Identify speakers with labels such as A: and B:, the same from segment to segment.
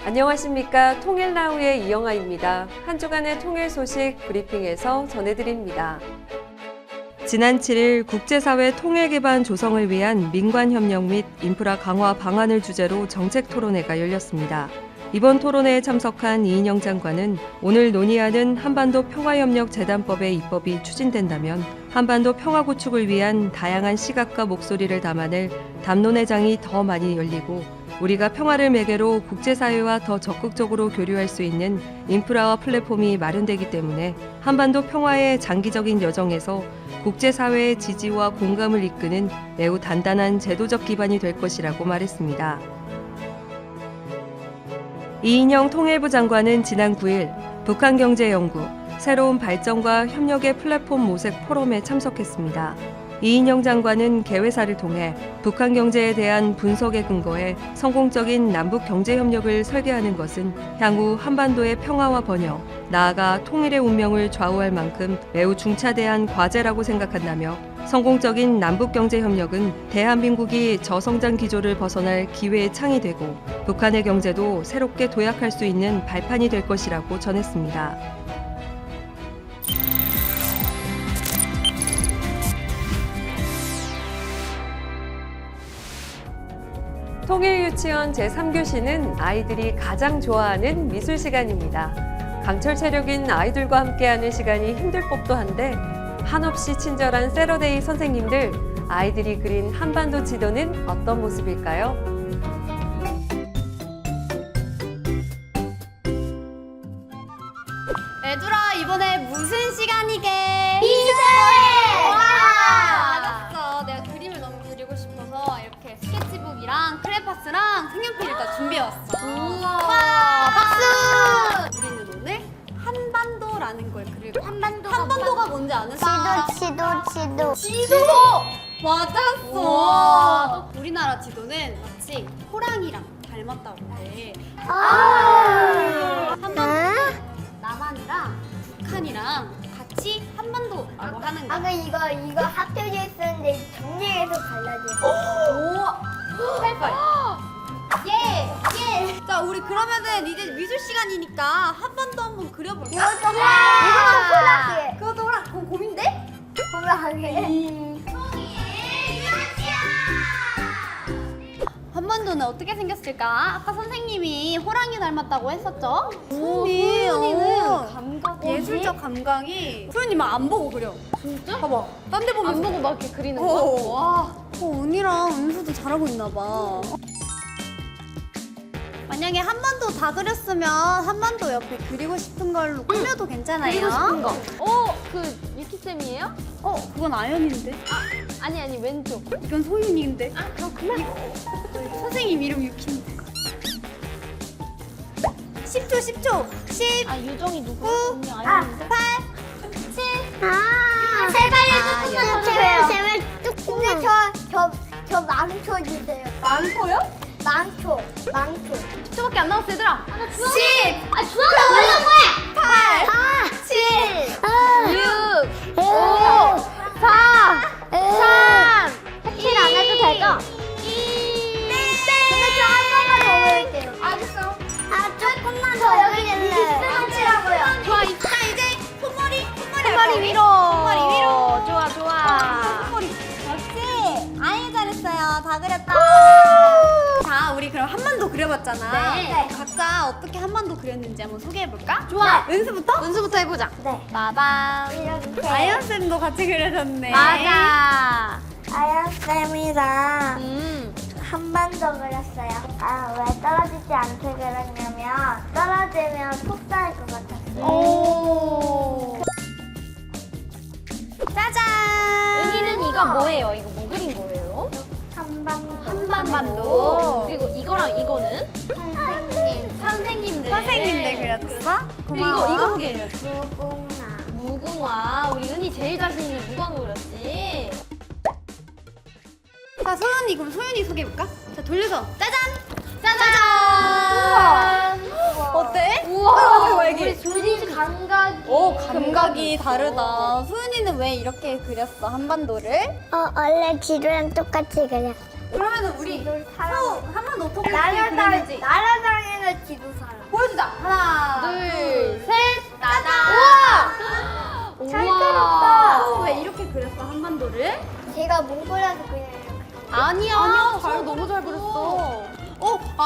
A: 안녕하십니까. 통일나우의 이영아입니다. 한 주간의 통일 소식 브리핑에서 전해드립니다. 지난 7일 국제사회 통일 기반 조성을 위한 민관협력 및 인프라 강화 방안을 주제로 정책 토론회가 열렸습니다. 이번 토론회에 참석한 이인영 장관은 오늘 논의하는 한반도 평화협력재단법의 입법이 추진된다면 한반도 평화 구축을 위한 다양한 시각과 목소리를 담아낼 담론회장이 더 많이 열리고 우리가 평화를 매개로 국제사회와 더 적극적으로 교류할 수 있는 인프라와 플랫폼이 마련되기 때문에 한반도 평화의 장기적인 여정에서 국제사회의 지지와 공감을 이끄는 매우 단단한 제도적 기반이 될 것이라고 말했습니다. 이인영 통일부 장관은 지난 9일 북한경제연구 새로운 발전과 협력의 플랫폼 모색 포럼에 참석했습니다. 이인영 장관은 개회사를 통해 북한 경제에 대한 분석에 근거해 성공적인 남북 경제 협력을 설계하는 것은 향후 한반도의 평화와 번영, 나아가 통일의 운명을 좌우할 만큼 매우 중차대한 과제라고 생각한다며 성공적인 남북 경제 협력은 대한민국이 저성장 기조를 벗어날 기회의 창이 되고 북한의 경제도 새롭게 도약할 수 있는 발판이 될 것이라고 전했습니다. 통일유치원 제3교시는 아이들이 가장 좋아하는 미술 시간입니다. 강철 체력인 아이들과 함께하는 시간이 힘들 법도 한데 한없이 친절한 세러데이 선생님들, 아이들이 그린 한반도 지도는 어떤 모습일까요?
B: 얘들아, 이번에 무슨 시간이게?
C: 미술회!
B: 알았어. 내가 그림을 너무 그리고 싶어서 이렇게 스케치북이랑 크레파스랑 색연필을 다 준비해왔어.
C: 우와! 박수!
B: 우리는 오늘 한반도라는 걸 그릴 거야.
C: 한반도가
B: 한반도가 뭔지 아는
C: 지도.
B: 지도! 맞았어!
C: 우와.
B: 우리나라 지도는 마치 호랑이랑 닮았다고 해. 한반도 남한이랑 북한이랑 같이 한반도라고 하는 거야.
C: 아까 이거 합쳐져 있었는데 정리해서 갈라져.
B: 오! 빨빨! 예! 자, 우리 그러면은 이제 미술 시간이니까 한반도 한번 그려볼까?
C: 이것도 호랑이.
B: 그것도 호랑, 그건 곰인데?
C: 호랑이.
B: 한반도는 어떻게 생겼을까? 아까 선생님이 호랑이 닮았다고 했었죠?
C: 소연이는
B: 소연이는
C: 감각이
B: 예술적 감각이 소연이 막 안 보고 그려. 진짜? 봐봐. 딴 데 보면서.
D: 안 보고 막 이렇게 그리는 거?
B: 와. 언니랑 은수도 잘하고 있나 봐. 만약에 한반도 다 그렸으면 한반도 옆에 그리고 싶은 걸로 꾸며도 괜찮아요.
D: 그리고 싶은 거. 그 유키쌤이에요?
B: 그건 아연인데.
D: 아니 왼쪽.
B: 이건 소윤이인데.
D: 그렇구나.
B: 선생님 이름 유키인데. 10초. 10,
D: 유정이 누구?
B: 9,
D: 언니
B: 8, 7.
C: 제발 조금만 주세요. 제발 조금만. 근데 저 망초 주세요.
B: 많고요?
C: 망초.
D: 10초밖에 안 남았어 얘들아.
B: 10,
D: 주황색 올라고 해.
B: 8, 7,
D: 6, 5, 4, 3.
C: 칠 안 해도 되죠? 근데 저 한 번만 더 넣을게요.
B: 알겠어.
C: 조금만 더 여기 있네. 칠하고요.
B: 좋아, 이제 손머리
D: 위로.
B: 손머리 위로.
D: 좋아.
B: 손머리. 역시. 아유, 잘했어요. 다 그렸다. 자, 우리 그럼 한반도 그려봤잖아.
C: 네.
B: 각자 어떻게 한반도 그렸는지 한번 소개해볼까?
D: 좋아.
B: 은수부터?
D: 은수부터 해보자.
C: 네.
D: 빠밤.
C: 이렇게.
B: 아연쌤도 같이 그려줬네.
D: 맞아.
C: 아연쌤이랑 한반도 그렸어요. 왜 떨어지지 않게 그렸냐면 떨어지면 속상할 것 같았어요.
B: 오. 짜잔!
D: 은희는 이거 뭐예요? 이거 뭐 그린 거예요?
B: 한반도.
D: 그리고 이거랑 이거는? 선생님들.
B: 선생님들 그려줬어?
D: 그리고 이거 소개해요.
C: 무궁화.
D: 무궁화. 우리 은희 제일 자신 있는 무궁화 그렸지?
B: 자, 소연이, 그럼 소연이 소개해볼까? 자, 돌려서. 짜잔!
D: 짜잔!
B: 어때?
D: 우와.
B: 애기.
D: 우리 조리 감각이.
B: 감각이 다르다. 소연이는 왜 이렇게 그렸어, 한반도를?
C: 원래 지도랑 똑같이 그렸어.
B: 그러면은 우리
C: 지도를
B: 한반도 어떻게
C: 나라당,
B: 그리는지.
C: 나라당에는 지도사.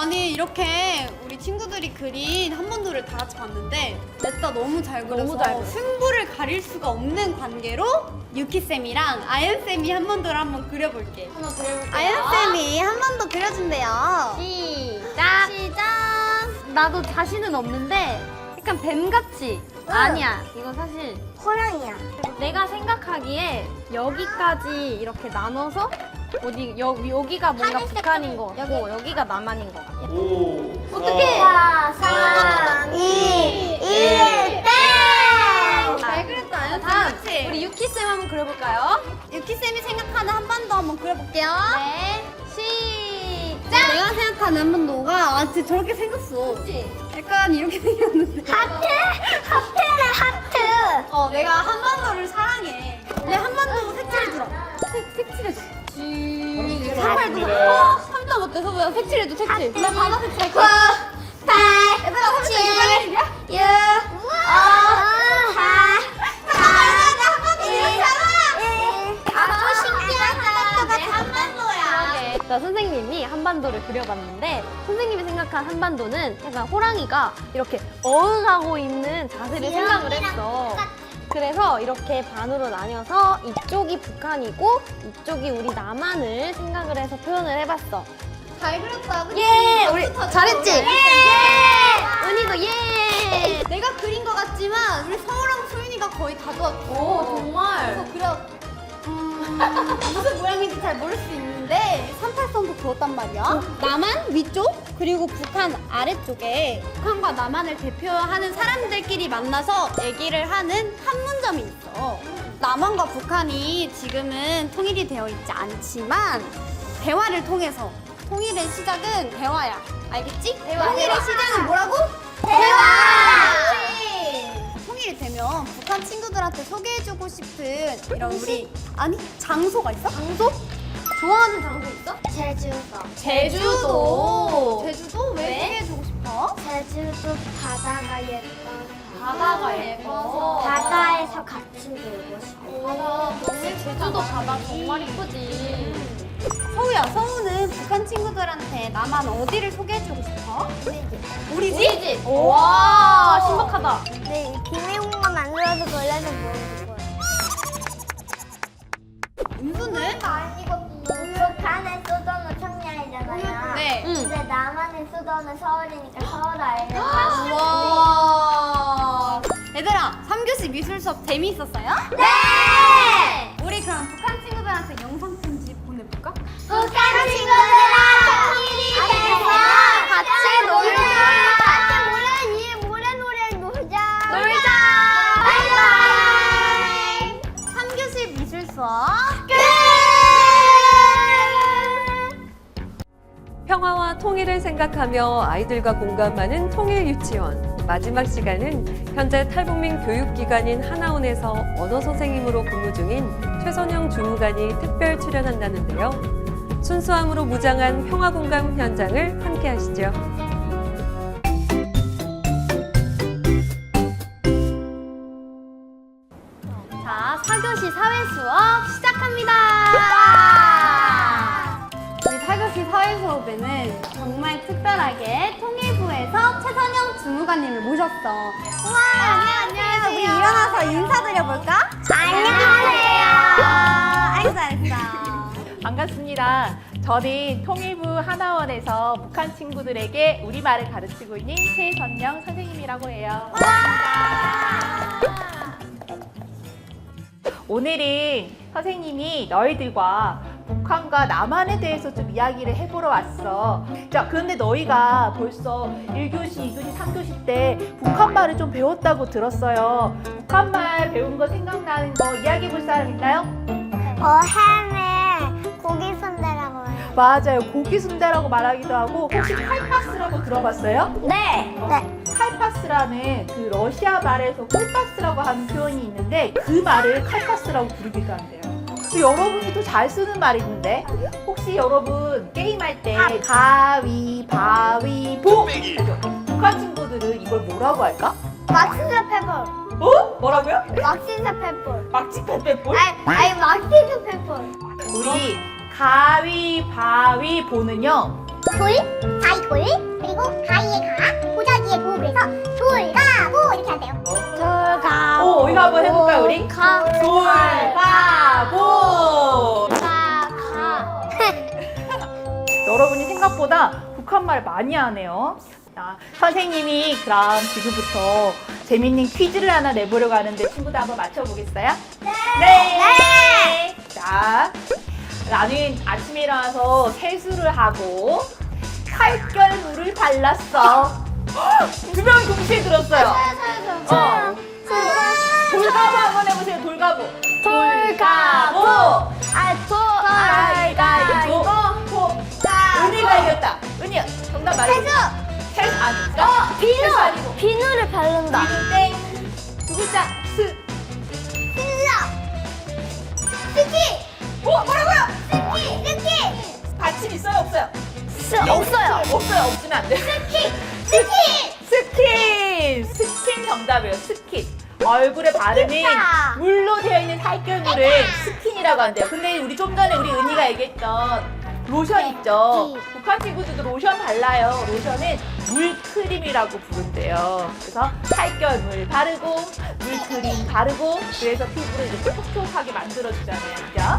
B: 아니 이렇게 우리 친구들이 그린 한반도를 다 같이 봤는데 넷다 너무 잘 그려서
D: 너무 잘 그렸어.
B: 승부를 가릴 수가 없는 관계로 유키쌤이랑 아연쌤이 한반도를 한번 그려볼게.
D: 한번 그려볼게요.
B: 아연쌤이 한반도 그려준대요.
D: 시작.
B: 시작.
D: 나도 자신은 없는데 약간 뱀같이. 아니야. 이건 사실
C: 호랑이야.
D: 내가 생각하기에 여기까지 이렇게 나눠서 여기가 뭔가 북한인 것 같고 여기가 남한인 것 같아.
E: 5,
D: 어떡해.
C: 4, 3, 2, 1, 땡!
B: 잘 그렸다 아연쌤.
D: 다음
B: 그치?
D: 우리 유키쌤 한번 그려볼까요?
B: 유키쌤이 생각하는 한반도 한번 그려볼게요.
D: 네. 시작.
B: 내가 생각하는 한반도가 진짜 저렇게 생겼어.
D: 그치?
B: 약간 이렇게 생겼는데.
C: 하트? 하트네, 하트.
B: 내가 한반도를 사랑해. 내 한반도 색칠해주라. 색칠해줘.
E: 감사합니다.
B: 3점 어때? 서보야 색칠해줘, 색칠. 나 바다 색칠할게.
C: 9, 8,
B: 얘들아, 3점 이거 빨리
C: 6, 5, 4, 3, 2, 1. 아주 신기하다. 내 한반도야.
D: 자, 선생님이 한반도를 그려봤는데 선생님이 생각한 한반도는 약간 호랑이가 이렇게 어흥하고 있는 자세를 생각을 했어. 그래서 이렇게 반으로 나뉘어서 이쪽이 북한이고 이쪽이 우리 남한을 생각을 해서 표현을 해봤어.
B: 잘 그렸다. 그치?
D: 예! 우리
B: 박수 쳐줘.
D: 잘했지?
B: 예!
D: 은희도 예!
B: 내가 그린 것 같지만 우리 서우랑 소윤이가 거의 다 도왔고.
D: 오, 정말?
B: 그래서 그려. 무슨 모양인지 잘 모를 수 있는데 38선도 그었단 말이야. 남한 위쪽 그리고 북한 아래쪽에 북한과 남한을 대표하는 사람들끼리 만나서 얘기를 하는 판문점이 있어. 남한과 북한이 지금은 통일이 되어 있지 않지만 대화를 통해서 통일의 시작은 대화야. 알겠지? 통일의 시작은 뭐라고?
C: 대화!
B: 통일이 되면 북한 친구들한테 소개해주고 싶은 이런 우리 아니 장소가 있어? 장소?
D: 좋아하는 장소 있어?
C: 제주도.
D: 제주도.
B: 제주도 왜
D: 왜?
B: 소개해주고 싶어?
C: 제주도 바다가 예뻐서.
D: 바다가 예뻐서.
C: 바다에서 같이 놀고 싶어.
D: 바다 제주도 바다 정말 이쁘지.
B: 서우야, 서우는 북한 친구들한테 나만 어디를 소개해주고 싶어? 우리 집?
D: 와, 신박하다.
C: 네, 비밀공간 만들어서 걸려서 모르는 거야.
B: 은수는?
C: 아니고 북한의 수도는 청량이잖아요.
B: 네.
C: 근데 남한의 수도는 서울이니까 서울 알려줘.
B: 와. 얘들아, 3교시 미술 수업 재미있었어요?
C: 네!
B: 우리 그럼 북한 친구들한테 영상 편지 보내볼까?
C: 북한 친구들아 통일이 돼서 같이 놀자. 같이 모래 놀자. 바이바이.
B: 3교시 미술 수업
C: 끝!
A: 평화와 통일을 생각하며 아이들과 공감하는 통일유치원. 마지막 시간은 현재 탈북민 교육기관인 하나원에서 언어 선생님으로 근무 중인 최선영 주무관이 특별 출연한다는데요. 순수함으로 무장한 평화공감 현장을 함께 하시죠.
B: 자, 4교시 사회 수업 시작합니다. 우리 4교시 사회 수업에는 정말 특별하게 통일부에서 최선영 주무관님을 모셨어. 우와, 안녕하세요. 우리 일어나서 인사드려볼까?
C: 안녕하세요.
B: 알겠어, 알겠어.
F: 반갑습니다. 저는 통일부 하나원에서 북한 친구들에게 우리말을 가르치고 있는 최선영 선생님이라고 해요. 오늘은 선생님이 너희들과 북한과 남한에 대해서 좀 이야기를 해보러 왔어. 자, 그런데 너희가 벌써 1교시, 2교시, 3교시 때 북한말을 좀 배웠다고 들었어요. 북한말 배운 거 생각나는 거 이야기해 볼 사람 있나요?
C: 햄에 고기 순대라고 해요.
F: 맞아요. 고기 순대라고 말하기도 하고 혹시 칼파스라고 들어봤어요?
C: 네.
F: 칼파스라는 그 러시아 말에서 콜파스라고 하는 표현이 있는데 그 말을 칼파스라고 부르기도 한대요. 또 여러분이 또 잘 쓰는 말이 있는데 혹시 여러분 게임할 때 가위바위보 하죠? 북한 친구들은 이걸 뭐라고 할까?
C: 막시사 페퍼.
F: 어? 뭐라고요?
C: 막시사 페퍼.
F: 막치페페볼?
C: 아니 막시사 페퍼.
F: 우리 가위바위보는요
C: 소리? 아이고. 돌, 그리고 가위의 가, 보자기의 보, 그래서 돌가보 이렇게 하세요.
B: 돌가.
F: 오, 이거 한번 해볼까요, 우리? 돌가보!
B: 가.
F: 여러분이 생각보다 북한말 많이 하네요. 자, 선생님이 그럼 지금부터 재밌는 퀴즈를 하나 내보려고 하는데 친구들 한번 맞춰보겠어요? 네! 자, 나는 아침에 일어나서 세수를 하고 살결물을 발랐어. 두 명 동시에 들었어요. 돌가보 한번 해보세요. 돌가보. 돌가보. 돌가보. 은희가 이겼다. 은희야, 정답 말해줘. 세수 아니죠? 세수 아니고.
B: 비누를 바른다.
F: 비누 땡. 두 글자 스.
C: 스키!
F: 뭐라고요?
C: 스키!
F: 받침 있어요, 없어요?
B: 없어요.
F: 없어요. 없으면 안 돼. 스킨 정답이에요. 스킨. 얼굴에 바르는
C: 스킨이다.
F: 물로 되어 있는 살결물을 스킨이라고 한대요. 근데 우리 좀 전에 우리 은희가 얘기했던 로션 있죠. 북한 친구들도 로션 발라요. 로션은 물크림이라고 부른대요. 그래서 살결물 바르고 물크림 바르고 그래서 피부를 이렇게 촉촉하게 만들어주잖아요. 그죠?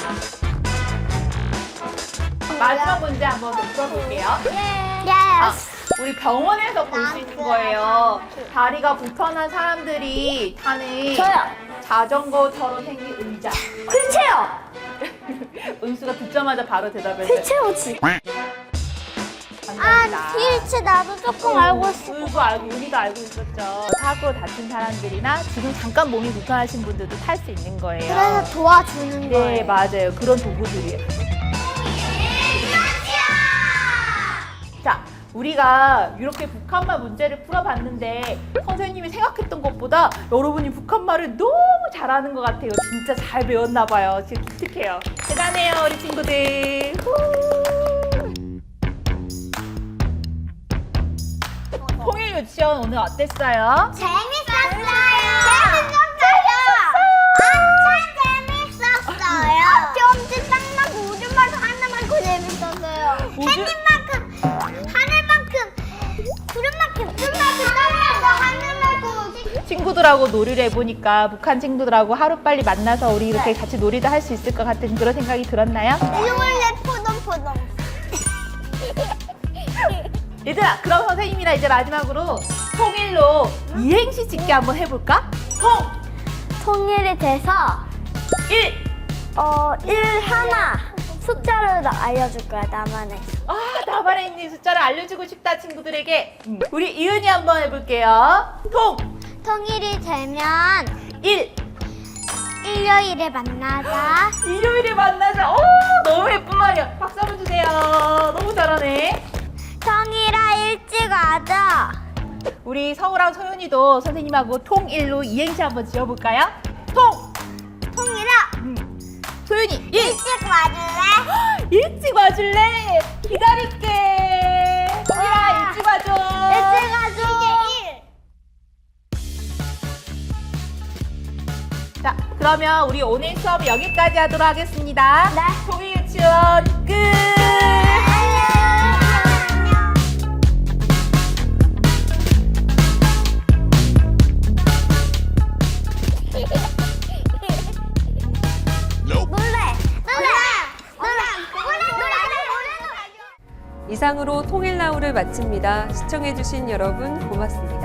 F: 마지막 문제 한번 더 풀어볼게요. 아, 우리 병원에서 볼 수 있는 거예요. 다리가 불편한 사람들이 타는 자전거처럼 생긴 의자.
B: 휠체어.
F: 은수가 듣자마자 바로 대답했어요.
B: 휠체어지.
F: 감사합니다.
C: 휠체 나도 조금 알고 있어.
F: 은수 알고, 우리도 알고 있었죠. 사고로 다친 사람들이나 지금 잠깐 몸이 불편하신 분들도 탈 수 있는 거예요.
C: 그래서 도와주는 거예요.
F: 네, 맞아요. 그런 도구들이에요. 자, 우리가 이렇게 북한말 문제를 풀어봤는데 선생님이 생각했던 것보다 여러분이 북한말을 너무 잘하는 것 같아요. 진짜 잘 배웠나 봐요. 지금 기특해요. 대단해요, 우리 친구들. 통일 유치원 오늘 어땠어요?
C: 재밌었어요. 엄청 재밌었어요. 경치 딱 나고 우주말도 하늘만큼 재밌었어요. 햇빛만큼 하늘만큼 구름만큼 뜬만큼 땅만큼 하늘만큼
F: 친구들하고 놀이를 해보니까 북한 친구들하고 하루빨리 만나서 우리 이렇게 같이 놀이도 할 수 있을 것 같은 그런 생각이 들었나요?
C: 이걸래 포동포동.
F: 얘들아, 그럼 선생님이랑 이제 마지막으로 통일로 이행시 짓기 한번 해볼까?
B: 통일이 돼서
F: 1!
B: 일 하나 숫자를 알려줄 거야 나만의.
F: 아, 나만에 있는 숫자를 알려주고 싶다, 친구들에게. 우리 이은이 한번 해볼게요.
C: 통일이 되면
F: 1!
C: 일요일에 만나자.
F: 일요일에 만나자. 오, 너무 예쁜 말이야. 박수 한번 주세요. 너무 잘하네.
C: 통일아 일찍 와자.
F: 우리 서우랑 소윤이도 선생님하고 통일로 이행시 한번 지어볼까요?
C: 통일아
F: 소윤이 1!
C: 일찍 와줄래?
F: 일찍 와줄래? 기다릴게. 소윤아, 일찍 와줘.
C: 일찍 와줘.
F: 자, 그러면 우리 오늘 수업 여기까지 하도록 하겠습니다.
C: 네.
F: 통일 유치원 끝!
A: 이상으로 통일나우를 마칩니다. 시청해주신 여러분 고맙습니다.